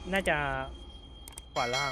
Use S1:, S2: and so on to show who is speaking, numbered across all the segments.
S1: น่าจะขวาล่าง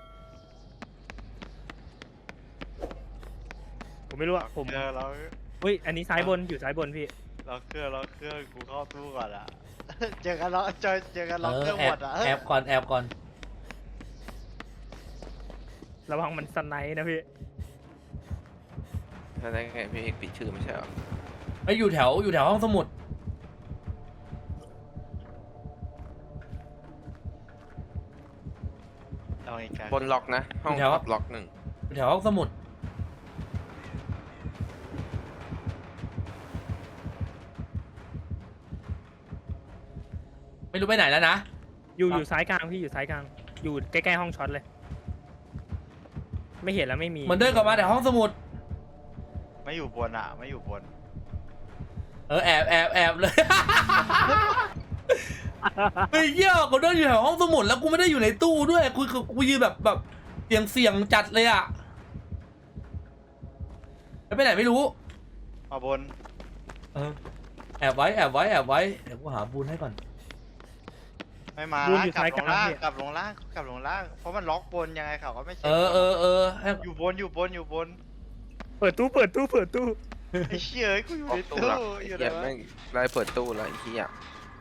S1: ผมไม่รู้อะผม
S2: เรา
S1: อุ้ยอันนี้ซ้ายบนอยู่ซ้ายบนพี่
S2: เราเครื่องกูเข้าตู้ก่อนอะ เจอกันล็อกเจอกันล็อกเครื่อง
S3: แอ
S2: หม
S3: บ
S2: ดอะ
S3: แอบก่อนแอบก่อน
S1: ระวังมันสไนด์นะพี่
S4: ถ้าได้ไงพี่เอกปิดชื่อไม่ใช่เหรอ
S3: ไอ้อยู่แถวห้องสมุด
S2: เอาอีกแล้ว
S4: บนล็อกนะห้องขับล็อกหนึ่ง
S3: อยู่แถวห้องสมุดไม่รู้ไปไหนแล้วนะ
S1: อยู่ซ้ายกลางพี่อยู่ซ้ายกลางอยู่ใกล้ๆห้องช็อตเลย ไม่เห็นแล้วไม่มี
S3: มันเดินกลับมาแต่ห้องสมุด
S2: ไม่อยู่บนอะไม่อยู่บน
S3: แอบเลย ไอ้เหี้ยกูเดินอยู่แถวห้องสมุดแล้วกูไม่ได้อยู่ในตู้ด้วยกูยืนแบบเสี่ยงจัดเลยอ่ะแล้วไปไหนไม่รู้
S2: มาบน
S3: แอบไว้เดี๋ยวกูหาบูนให้ก่อน
S2: ไม่มา
S1: บูนอยู่
S2: กลั
S1: ซ้าย
S2: บ
S1: ก
S2: ล
S1: ลาง
S2: งล่าง
S1: พี่
S2: กลับลงล่างเพราะมันล็อกบนยังไงเขาก็ไม่เช็ค
S3: ให้
S2: อยู่บน
S1: เปิดตู้
S2: ไอ้เชี่ยกูอยู่
S4: ล็อ
S2: ใน
S4: กตู้
S2: ตู้
S4: ละ
S2: อยู่
S4: เหี้ย
S2: ไหน
S4: แม่
S2: วะ
S4: งไล่เปิดตู้ละไอ้เหี้ย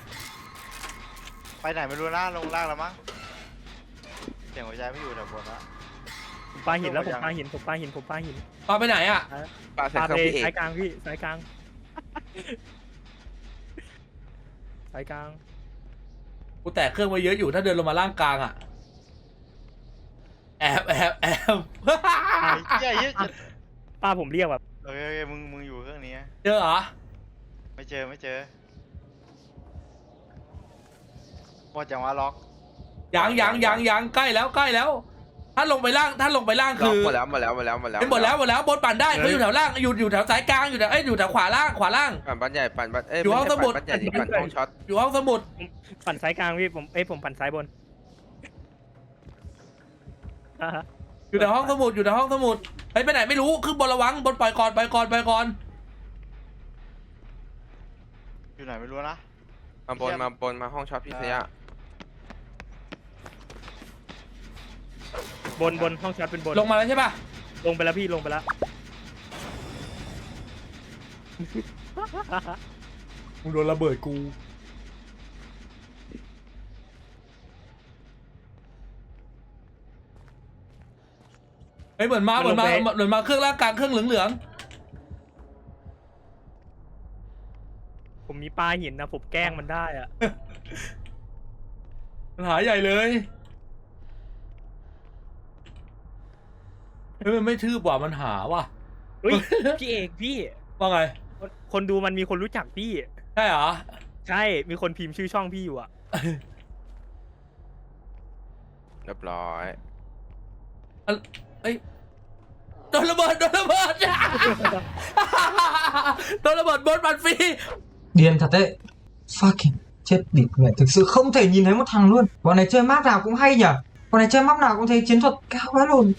S2: ไปไหนไม่รู้นะลงล่างแล้วมั้งเสียงหัวใจไม่อยู่แถวบนละ
S1: ผมปาหินแล้วผมปาหิน
S3: ปาไปไหนอ่ะ
S4: ปาใส่
S1: ปา
S4: เครื่
S1: ไป
S4: องพี่เอก
S1: ซ้ายกลางพี่ซ้ายกลางซ้ายกลาง
S3: กูแตกเครื่องไว้เยอะอยู่ถ้าเดินลงมาล่างกลางอ่ะแอบ
S2: ไอ้เชี่ยเหี้ย
S1: ป้าผมเรียกแบบ
S2: โอเคมึงอยู่เครื่องนี้
S3: เจอเหรอ
S2: ไม่เจอหมดจังหวะล็อก
S3: ยังใกล้แล้วถ้าลงไปล่าง
S4: ล็อก
S3: คือ
S4: หมดแล้ว
S3: หมดแล้วบนปั่นได้เขาอยู่แถวล่างอยู่แถวสายกลางอยู่แถวขวาล่าง
S4: ปั่นบ้านใหญ่ปั่นบ้าน
S3: อยู่ห้อง
S4: ไม่ใช่
S3: สมุด
S4: ปั่นบ้านใหญ่ดิปั่นห้องช็อต
S3: อยู่ห้องสมุด
S1: ปั่นซ้ายกลางพี่ผมปั่นซ้ายบน
S3: อยู่ในห้องสมุดไปไหนไม่รู้ขึ้นบนระวังบนปล่อยก่อน
S2: อยู่ไหนไม่รู้นะ
S4: มาบนมาห้องช็อตพี่เสีย
S1: บนห้องช็อตเป็นบน
S3: ลงมาแล้วใช่ป่ะ
S1: ลงไปแล้วพี่ลงไปแล้ว
S3: มึงโดนระเบิดกูเฮ้ยเหมือนมาเครื่องล่างกลางเครื่องเหลือง
S1: ผมมีปลาหินนะผมแกล้งมันได้อะ
S3: ปัญหาใหญ่เลยเฮ้ยมันไม่ทืบว่ะมันหาว่ะ
S1: เฮ้ยพี่เอกพี่
S3: ว่าไง
S1: คนดูมันมีคนรู้จักพี่
S3: ใช่เหรอ
S1: ใช่มีคนพิมพ์ชื่อช่องพี่อยู่อะ
S4: เรียบร้อย
S3: เอ้ยโดนระเบิด โดนระเบิดบนปั่นฟรี
S5: Điên thật đấy. Fucking chết địt mẹ, thực sự không thể nhìn thấy một thằng luôn. Bọn này chơi map nào cũng hay nhở. Bọn này chơi map nào cũng thấy chiến thuật cao quá luôn.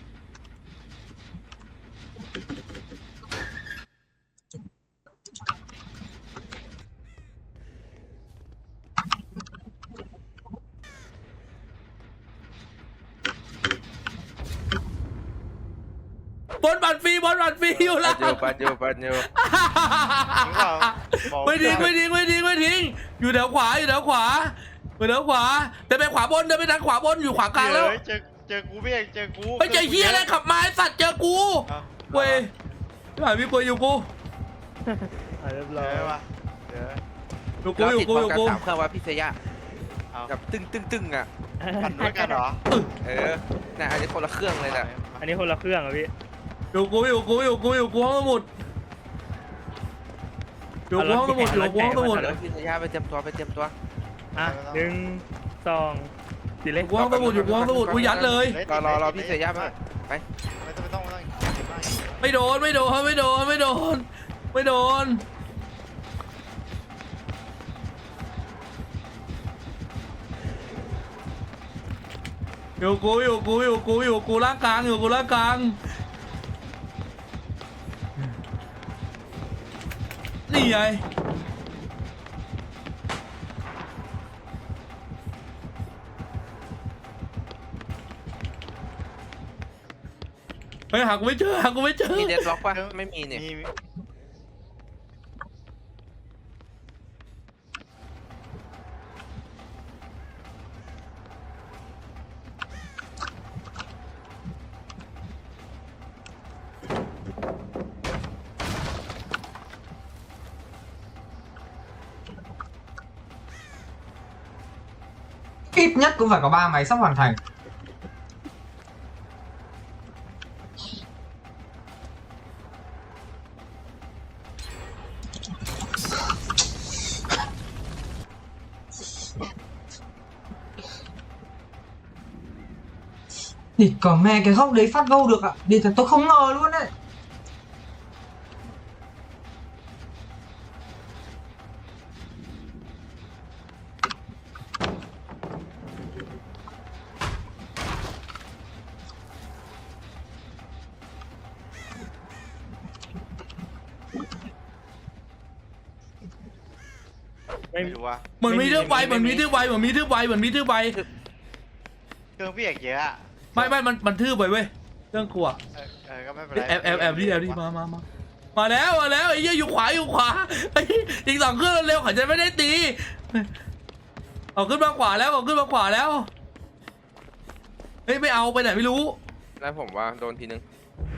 S3: บนปั่นฟรีอยู่ล่าง
S4: ปั่นอยู่
S2: จริงเปล่าบอก
S3: ไม่ทิ้งอยู่แถวขวาเดินไปขวาบนเดินไปทางขวาบนอยู่ขวากลางแล้ว
S2: เจอกูพี่เอกเจอกู
S3: ไปเจอเฮียอะไรขับมาไอ้สัตว์เจอกูเว้ยไม่หายมีปืนอยู่กู
S1: เรียบ
S2: เจ
S1: ร้อย
S2: อปะเจอ
S3: อยู่
S4: เราติด
S3: กู
S4: พร้อมกัน3เครื่องว่าพี่เสีย
S2: เอา
S4: แบบตึ้งอ่ะ
S2: ปั่นด้วยกันเหรอ
S4: เนี่ยอันนี้คนละเครื่องเลยนะ
S1: อันนี้คนละเครื่องอะพี่
S3: อยู่กูห้องสมุดอยู่กูห้องสมุด
S4: แล้วพี่เสียไปเตรียมตัว
S1: อ่ะ1 2สี่เล็ก
S3: กูห้องสมุดกูยัดเลย
S4: รอพี่เสียมาไป
S2: ไม่ต้อง
S3: ไม่โดนอยู่กูล่างกลางนี่ไงเฮ้ยหากูไม่เจอหากูไม่เจอ
S4: มีเดดล็อกปะไม่มีเนี่ย
S2: มี
S5: Ít nhất cũng phải có 3 máy sắp hoàn thành. Địt còn mẹ cái góc đấy phát gâu được ạ. Địt là tôi không ngờ luôn đấy.
S1: ไม่
S2: ไม่รู้ว่า
S3: เหมือนมีทืบไวเหมือนมีทืบไวเหมือนมีทืบไวเหมือนมีทืบไว
S2: เครื่องพี่เอกเยอะอะ
S3: ไม่มันทืบไปเว้ยเรื่องกลัว
S2: ก็ไม่เป็นไร
S3: แอบดิมาแล้วไอ้เหี้ยอยู่ขวาไอ้อีก2เครื่องเร็วเขาจะไม่ได้ตีเอาขึ้นมาขวาแล้วเฮ้ยไม่เอาไปไหนไม่รู้
S4: แล้วผมว่าโดนทีนึง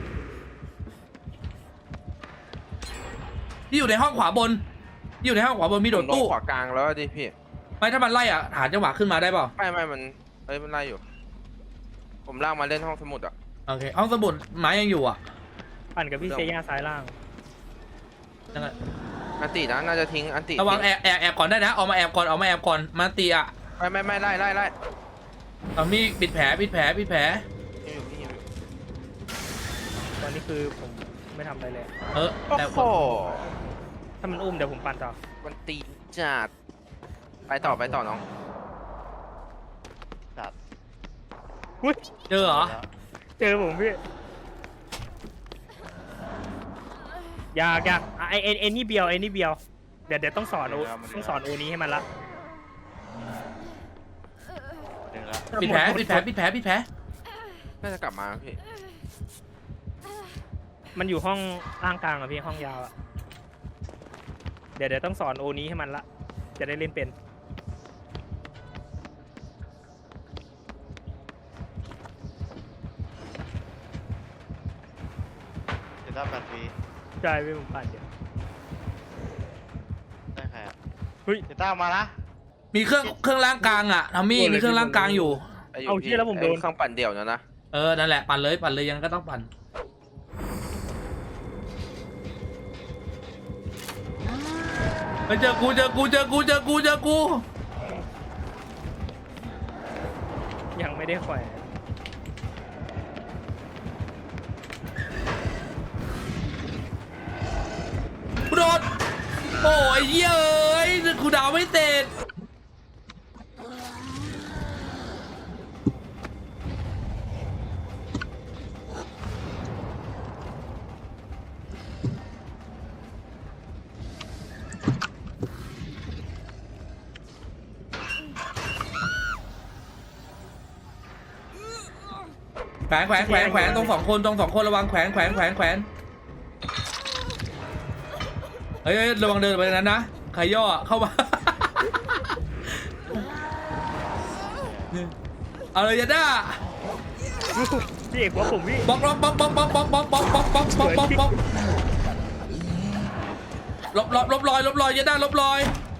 S3: ที่อยู่ในห้องขวาบนมีโดด
S4: ลง
S3: ตู้
S4: ขวากลางแล้วดิพี่
S3: ไม่ถ้ามันไล่อ่ะหาจังหวะขึ้นมาได้เปล่า
S4: ไม่มันมันไล่อยู่ ผมลากมาเล่นห้องสมุดอ่ะ
S3: โอเคห้องสมุดไม้ยังอยู่อ่ะ
S1: ปั่นกับพี่เซย่าซ้ายล่าง
S3: ยังไง
S4: อันตินะน่าจะทิ้งอันติ
S3: ระวังแอบก่อนได้นะเอามาแอบก่อนมาตีอ่ะ
S4: ไม่ไล่
S3: เอามีปิดแผล
S4: พี่อยู่
S1: ตอนนี้คือผมไม่ทำอะไรเลย
S3: แต่
S4: โอ้โห
S1: ถ้ามันอุ้มเดี๋ยวผมปั่นต่อ
S4: มันตีจัดไปต่อน้อง
S2: สัตว์
S1: อุ้ย
S3: เจอเหรอ
S1: เจอผมพี่อยากไอ้นี่เบียวเดี๋ยวต้องสอนโอนี้ให้มันละ
S2: ดึงแล้ว
S3: ปิดแผล
S4: น่าจะกลับมาพี่
S1: มันอยู่ห้องล่างกลางอะพี่ห้องยาวอะเดี๋ยวต้องสอนโอนี้ให้มันละจะได้เล่นเป็น
S2: จะได้8 ปี
S1: ใช่พี่ผมปั่นเดี๋ยว
S2: ได้ใครอ่ะ
S1: เฮ้ย
S2: จะต้ามานะ
S3: มีเครื่องล่างกลางอ่ะทอมมี่มีเครื่องล่างกลางอยู่
S1: เอาเชี่ยแล้วผมโดน
S4: เครื่องปั่นเดี่ยวนะ
S3: นั่นแหละปั่นเลยยังก็ต้องปั่นไปเจอกู
S1: ยังไม่ได้แขวน
S3: กูโดนโอ้ยเย้ยกูดาวไม่เสร็จแขวนตรง2 คนระวังแขวนเฮ้ยระวังเดินไปนั้นนะใครย่อเข้ามา เอาเลยยาด้า
S1: พี่เอกว่าผมพี่
S3: บล็อกลบรอยยาด้าลบรอย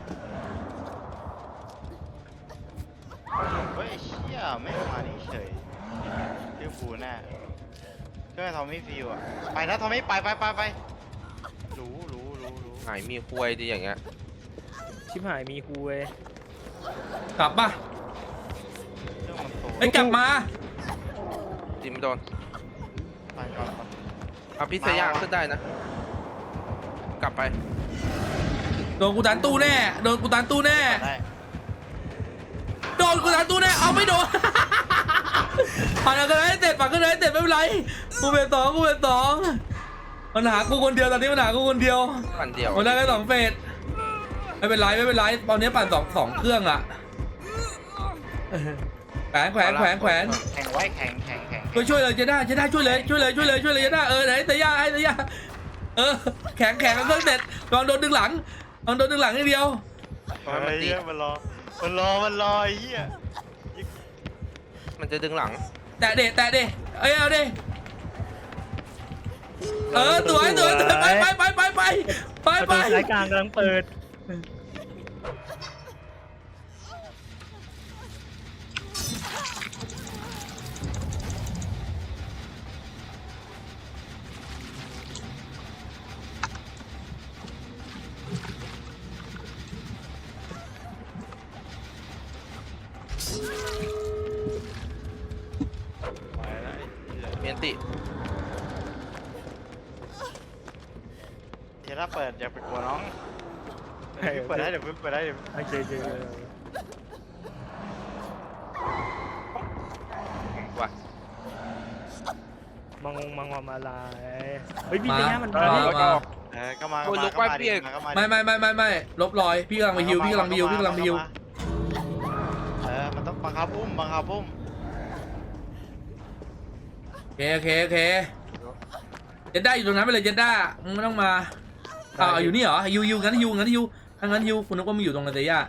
S2: เฮ้ยไอ้เชี่ยไม่มานี่เฉยชื่อฟูแน่เครื่องทอมมี่ฟิวอ่ะไปนะทอมมี่ไปรู้
S4: หายมีควยดีอย่างเงี้ย
S1: ชิบหายมีคูเว้ย
S3: กลับป่ะ
S2: เครื่องมันโต
S3: ไอ้กลับมา
S4: จิมโดน
S2: ไปก่อน
S4: เอาพี่เซย่าขึ้นได้นะ กลับไป
S3: โดนกูตันตู้แน่
S2: ได้
S3: เอาไม่โดน ปั่นกันเลยเสร็จไม่เป็นไรกูเป็นสองปัญหากูคนเดียวตอนนี้ปัญหากูคนเดียว
S4: ปั่นเดี่ยว
S3: มันได้แค่2 เฟสไม่เป็นไรตอนนี้ปั่นสองเครื่องอ่ะแขวน
S2: แข่งไว้แข่ง
S3: ช่วยเลยเจด้าช่วยเลยเจด้าไหนเตย่าให้เตย่าแข็งกันเครื่องเสร็จลองโดนดึงหลังนิดเดียว
S2: เฮ้ยเหี้ยมันรอไอ้เหี้ย
S4: มันจะดึงหลัง
S3: แตะเดเอาดิสวยไป
S1: ประตูสายกลางกำลังเปิด
S2: ไปแล้วไอ้เหี้ย
S4: เมียนติ
S2: เดี๋ยวถ้าเปิดอย่าไปกลัวน้องเปิดได้เดี๋ยวเปิดได้เดี๋ยว
S1: โอเค
S4: ว่ะ
S1: มังอะไรเฮ้ยพี่
S3: มา
S1: เตย่ามัน
S3: มา
S1: พี่
S3: มา
S2: ก็มา
S4: โอ้ยลุกไปพี่เอก
S3: ไม่ลบรอยพี่กำลังไปฮิวพี่กำลังไปฮิว
S2: มันต้องบังคับอุ้ม
S3: โอเคเจด้าอยู่ตรงนั้นไปเลยเจด้ามึงไม่ต้องมาอยู่นี่เหรอยูงั้นยูถ้างั้นยูคุณนึกว่ามึงอยู่ตรงนั้นเตย่า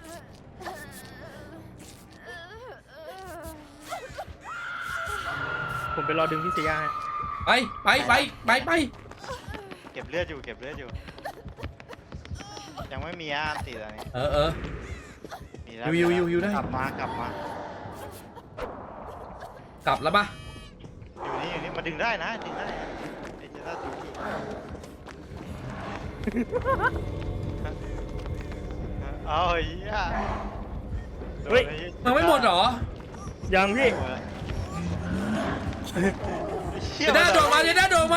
S1: ผมไปรอดึงพี่เตย่าให้
S3: ไป
S2: เก็บเลือดอยู่ยังไม่มีอันติดอะไรนี้ มีแล้ว
S3: อยู่ได้
S2: กลับมาก
S3: ลับแล้วปะ
S2: อยู่นี่มาดึงได้นะไอ้เจ้าดูเอาไอ้เหี้ย
S1: เฮ้ย
S3: มันไม่หมดเหรอ
S1: ยังพี่
S3: เจด้าโดดมา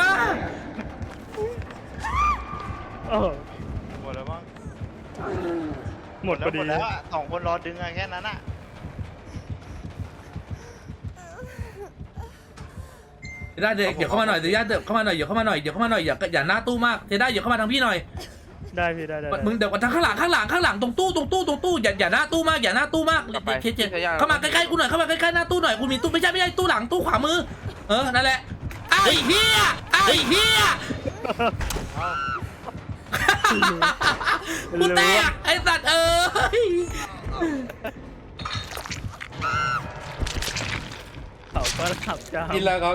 S1: โอ้
S2: หมดแล้วมั้ง
S1: หมดพอดี
S2: แล้วอะ2 คนรอดึงอะแค่นั้นอะ
S3: เจด้าเดี๋ยวเข้ามาหน่อยเจด้าเดี๋ยวเข้ามาหน่อยอย่าหน้าตู้มากเจด้าอย่าเข้ามาทางพี่หน่อย
S1: ได้พี่ได้
S3: มึงเดี๋ยวทางข้างหลังตรงตู้อย่าหน้าตู้มากเจเข้ามาใกล้ๆกูหน่อยเข้ามาใกล้ๆหน้าตู้หน่อยกูมีตู้ไม่ใช่ตู้หลังตู้ขวามือนั่นแหละไอ้เหี้ยกูแตกไอ้สัตว์
S1: เขาก็ขับจ้า
S3: กินแล้ว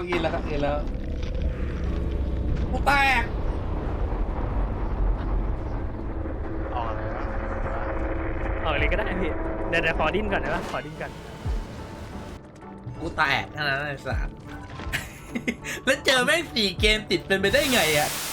S3: กูแตก
S2: ออกเลยวะ
S1: ออกเลยก็ได้พี่เดี๋ยวขอดิ้นก่อนได้ปะขอดิ้นก่อน
S3: กูแตกนั่นไอ้สัตว์แล้วเจอแม่ง4 เกมติดเป็นไปได้ไงอ่ะ